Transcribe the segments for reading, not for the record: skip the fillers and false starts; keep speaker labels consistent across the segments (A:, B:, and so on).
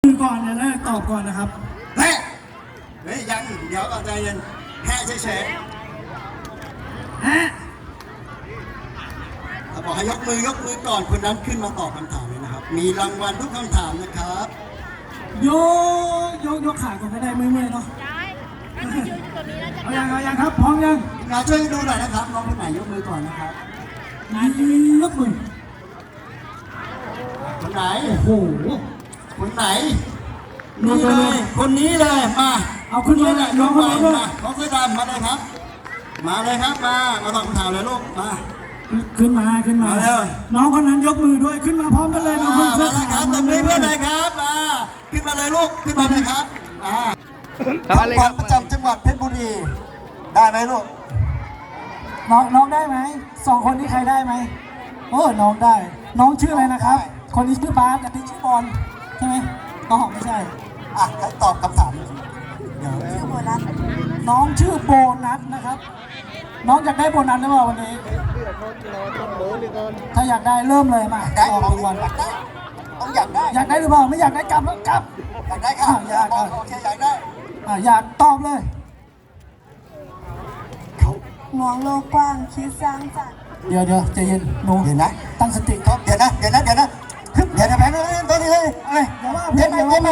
A: คือก่อนเนี่ยนะตอบก่อนนะครับ
B: แพ้เฮ้ยยังเดี๋ยวก่อนใจเย็นแพ้เฉยๆ
A: ฮะ
B: บอกให้ยกมืก่อนคนนั้นขึ้นมาตอบคำถามเลยนะครับมีรางวัลทุกคำถามนะครับ
A: ยกขาก่อนก็ได้เมื่อยๆเนาะเอายังครับพร้อมยัง
B: งานช่วยดูหน่อยนะครับน้องคนไหนยกมือก่อนนะครับ
A: ยกมือ
B: คนไหน
A: โอ้โห
B: คนไหนนี่เลยคนนี้เลยมา
A: เอาขึ้นมาเลย
B: น้องคนนี้มาน้องเสื้อดำมาเลยครับมาเลยครับมาตอบคำถามเลยลูกมา
A: ขึ้นมาน้องคนนั้นยกมือด้วยขึ้นมาพร้อมกันเลยน้องคนเสื้อขาว
B: ตบมือเพื่อนเลยครับขึ้นมาเลยลูกขึ้นมาเลยครับจังหวัดประจำจังหวัดเพชรบุรีได้ไหมลูก
A: น้องได้ไหมสองคนนี้ใครได้ไหมโอ้น้องได้น้องชื่ออะไรนะครับคนนี้ชื่อบาสอันนี้ชื่อบอลใช่ไหมน้องไม่ใช่
B: ให้ตอบคำถาม
A: ชื่อโบนัสน้องชื่อโบนัสนะครับน้องอยากได้โบนัสหรือเปล่าวันนี้ถ้าอยากได้เริ่มเลยมา
B: ได้
A: ออกรางวัล
B: ต้องอยากได้
A: หรือเปล่าไม่อยากได้กลับแล้วกลับ
B: อยากได้ครับ
A: อยาก
B: โอเคอยากได้
A: อยากตอบเลย
C: มองโลกกว้างคิดสร้างสรรค์
A: เดี๋ยวใจเย็นหนู
B: เดี๋ยวนะ
A: ตั้งสติครับ
B: เดี๋ยวนะแพ้ตัวนี้เลยอะไร
A: อย่าว่าเดี๋ยวไม่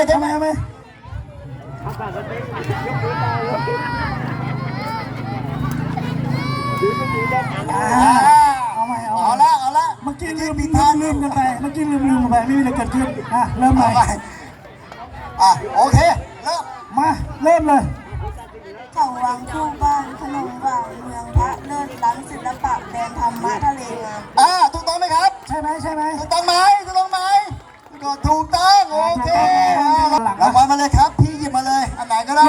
A: เอา
B: ละ
A: เมื่อกี้ลืมกันไปไม่มีอะไรเกิดขึ้นเริ่มใหม่
B: โอเคเริ่ม
A: มาเริ่มเลย
C: เขาวังคู่บ้านขนมหวานเมืองพระเลิศล้ำศิลปะแดนธรรมะทะเลงาม
B: ถูกต้องไหมครับ
A: ใช่ไหม
B: ถูกต้องไหมถูกต้องโอเครางวัลมาเลยครับพี่หยิบมาเลยอันไหนก็ได้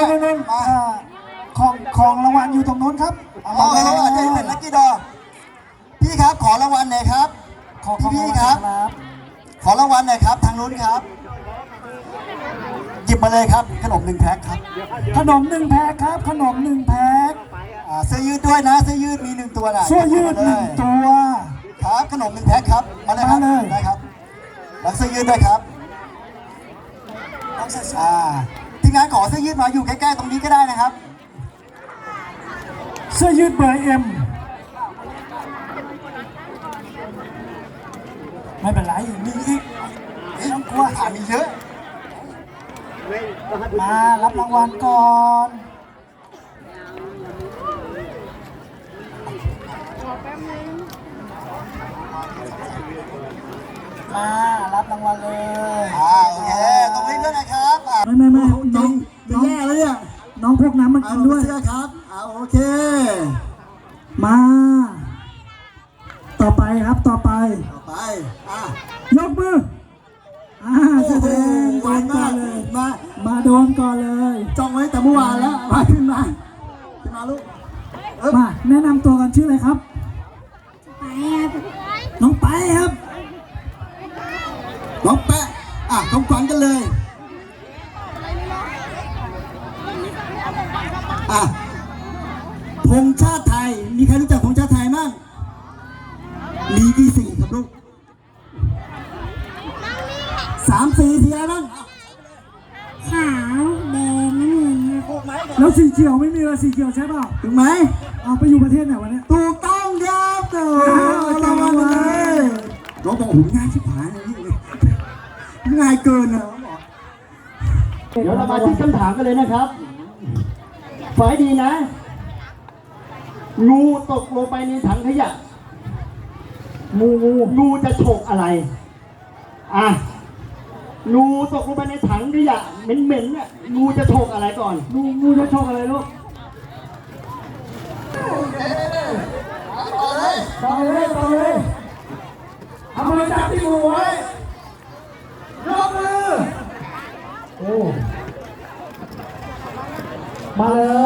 A: ของรางวัลอยู่ตรงโน้นครับ
B: อาจจะเป็นลัคกี้ดอพี่ครับขอรางวัลหน่อยครับพี่ครับขอรางวัลหน่อยครับทางนู้นครับหยิบมาเลยครับขนม1 แพ็คครับ
A: ขนม1 แพ็คครับขนม1 แพ็ค
B: เสื้อยืดด้วยนะเสื้อยืดมี1 ตัวนะ
A: เสื้อยืด1 ตัว
B: ครับขนม1 แพ็คครับมาเลยครับได้ครับแล้วเสื้อยืดด้วยครับทีมงานขอเสื้อยืดมาอยู่ใกล้ๆตรงนี้ก็ได้นะครับ
A: เสื้อยืดเบอร์Mไม่เป็นไรมีอีก
B: ไม่ต้องกลัวมีเยอะ
A: มารับรางวัลก่อนมารับรางวัลเลย
B: โอเคตรงนี้ด้วยนะครับ
A: ไม่น้อง
B: แย่เลยอ่ะ
A: น้องพกน้ำมากินด้วย
B: เสื้อครับโอเค
A: มาต่อไปยกมือแสดงโดนก่อนเลยมาโดนก่อนเลย
B: จ้องไว้แต่เมื่อวานแล้วขึ้นมาลูก
A: มาแนะนำตัวกันชื่ออะไรครับน้องไปครับ
B: น้องแปะต้องฟังกันเลยธงชาติไทยมีใครรู้จักธงชาติไทยมั่งมีกี่สีครับลูก3 สีอะไรบ้าง
C: ขาวแดงน้ำเงิน
A: แล้วสีเขียวไม่มีเลยสีเขียวใช่เปล่า
B: ถูกไหม
A: เอาไปอยู่ประเทศไหนวะเนี่ย
B: ถูกต้องครับรางวัลเลยน้องบอกโอ้โหง่ายชิบหายเลยง่ายเกินนะเดี๋ยวเรามาที่คำถามกันเลยนะครับฝ่ายดีนะงูตกลงไปในถังขยะงูจะฉกอะไรงูตกลงไปในถังขยะเหม็นเนี่ยงูจะฉกอะไรก่อน
A: งูจะฉกอะไรลูกต่อเลยเอามือจับที่งูไว้ยกมือมาเลย